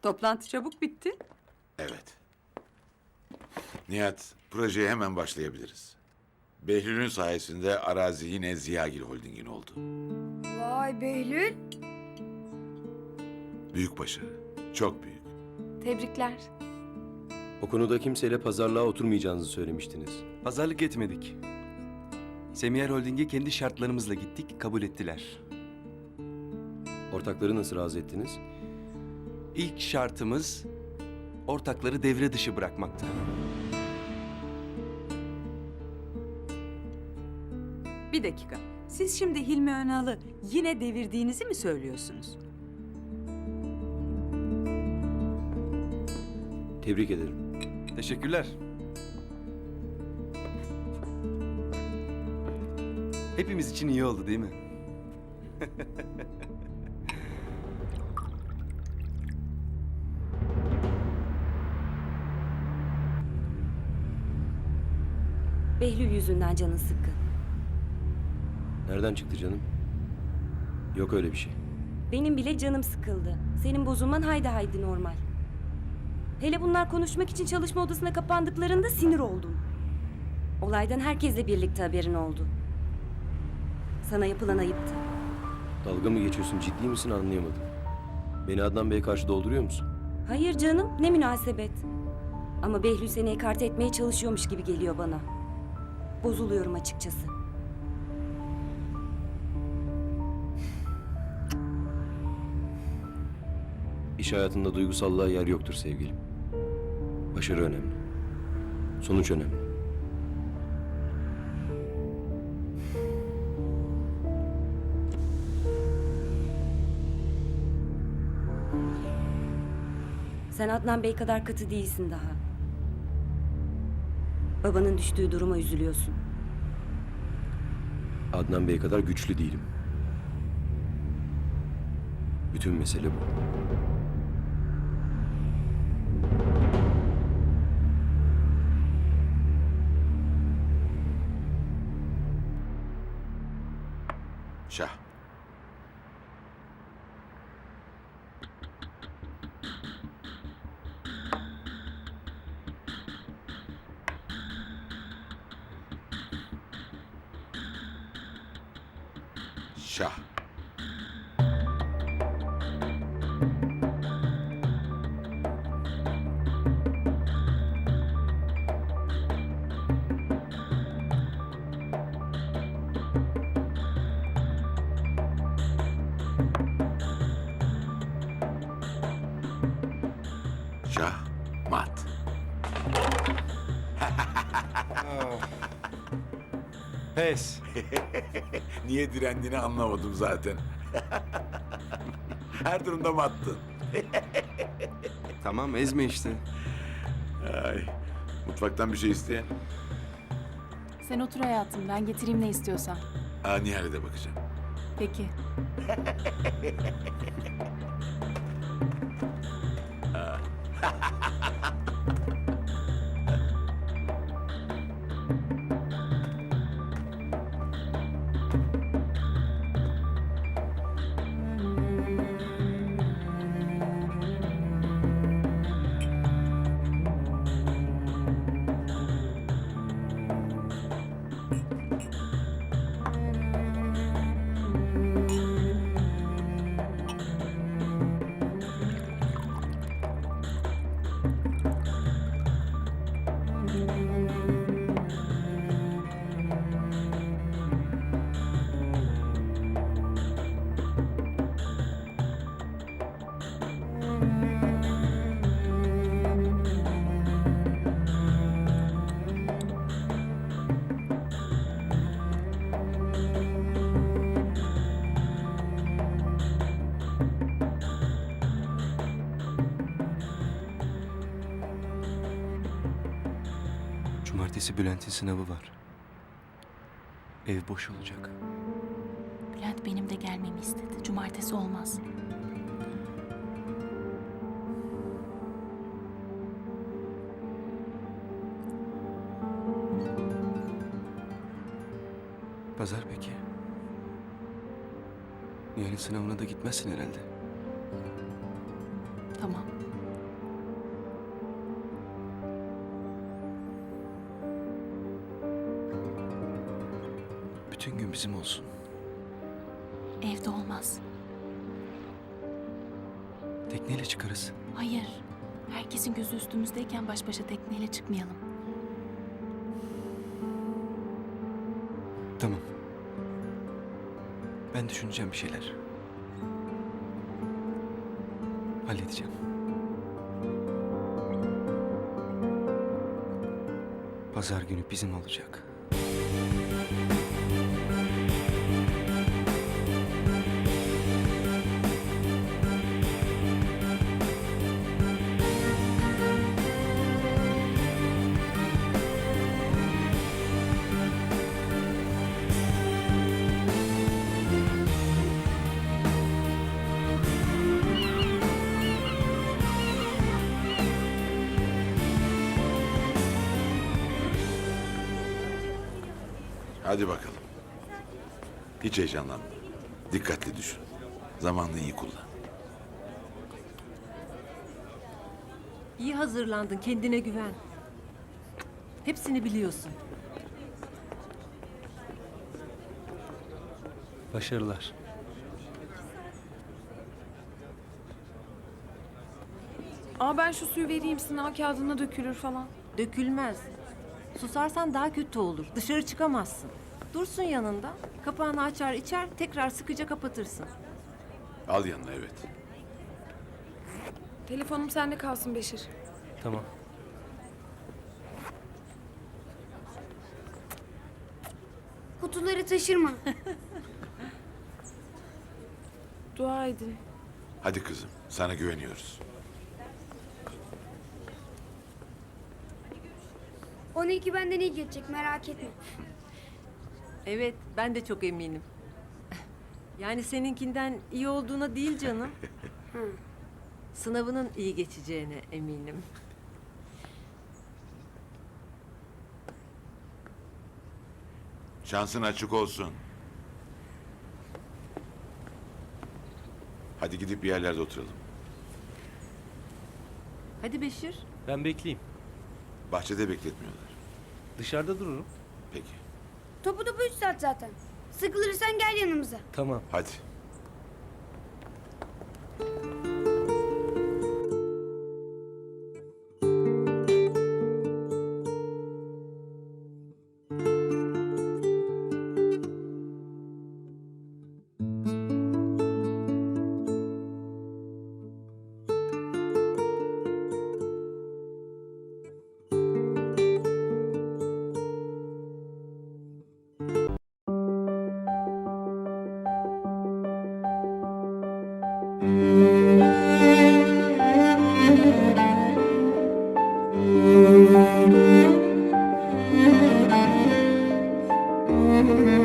Toplantı çabuk bitti. Evet. Nihat, projeye hemen başlayabiliriz. Behlül'ün sayesinde arazi yine Ziyagil Holding'in oldu. Vay Behlül. Büyük başarı. Çok büyük. Tebrikler. O konuda kimseyle pazarlığa oturmayacağınızı söylemiştiniz. Pazarlık etmedik. Semiyer Holding'e kendi şartlarımızla gittik, kabul ettiler. Ortakları nasıl razı ettiniz? İlk şartımız ortakları devre dışı bırakmaktı. Bir dakika. Siz şimdi Hilmi Önal'ı yine devirdiğinizi mi söylüyorsunuz? Tebrik ederim. Teşekkürler. Hepimiz için iyi oldu değil mi? Behlül yüzünden canın sıkkın. Nereden çıktı canım? Yok öyle bir şey. Benim bile canım sıkıldı. Senin bozulman haydi haydi normal. Hele bunlar konuşmak için çalışma odasına kapandıklarında sinir oldum. Olaydan herkesle birlikte haberin oldu. Sana yapılan ayıptı. Dalga mı geçiyorsun, ciddi misin anlayamadım. Beni Adnan Bey'e karşı dolduruyor musun? Hayır canım, ne münasebet. Ama Behlül seni ekarte etmeye çalışıyormuş gibi geliyor bana. Bozuluyorum açıkçası. İş hayatında duygusallığa yer yoktur sevgilim. Başarı önemli. Sonuç önemli. Sen Adnan Bey kadar katı değilsin daha. Babanın düştüğü duruma üzülüyorsun. Adnan Bey kadar güçlü değilim. Bütün mesele bu. Şah. Şah. Şah. Mat. Pes. Niye direndiğini anlamadım zaten. Her durumda mattın. Tamam, ezme işte. Ay. Mutfaktan bir şey isteyen. Sen otur hayatım, ben getireyim ne istiyorsan. Nihal'e de bakacağım. Peki. Cumartesi Bülent'in sınavı var. Ev boş olacak. Bülent benim de gelmemi istedi. Cumartesi olmaz. Pazar peki? Nihal'in sınavına da gitmezsin herhalde. Tamam. bizim olsun. Evde olmaz. Tekneyle çıkarız. Hayır. Herkesin gözü üstümüzdeyken baş başa tekneyle çıkmayalım. Tamam. Ben düşüneceğim bir şeyler. Halledeceğim. Pazar günü bizim olacak. Hadi bakalım. Hiç heyecanlanma. Dikkatli düşün. Zamanını iyi kullan. İyi hazırlandın, kendine güven. Hepsini biliyorsun. Başarılar. Aa ben şu suyu vereyim sınav kağıdına dökülür falan. Dökülmez. Susarsan daha kötü olur. Dışarı çıkamazsın. Dursun yanında. Kapağını açar içer, tekrar sıkıca kapatırsın. Al yanına, evet. Telefonum sende kalsın Beşir. Tamam. Kutuları taşırma. Dua edin. Hadi kızım, sana güveniyoruz. 12 benden iyi geçecek merak etme. Evet, ben de çok eminim. Yani seninkinden iyi olduğuna değil canım. Sınavının iyi geçeceğine eminim. Şansın açık olsun. Hadi gidip bir yerlerde oturalım. Hadi Beşir. Ben bekleyeyim. Bahçede bekletmiyorlar. Dışarıda dururum. Peki, Topu 3 saat zaten. Sıkılırsan gel yanımıza. Tamam. hadi. Müzik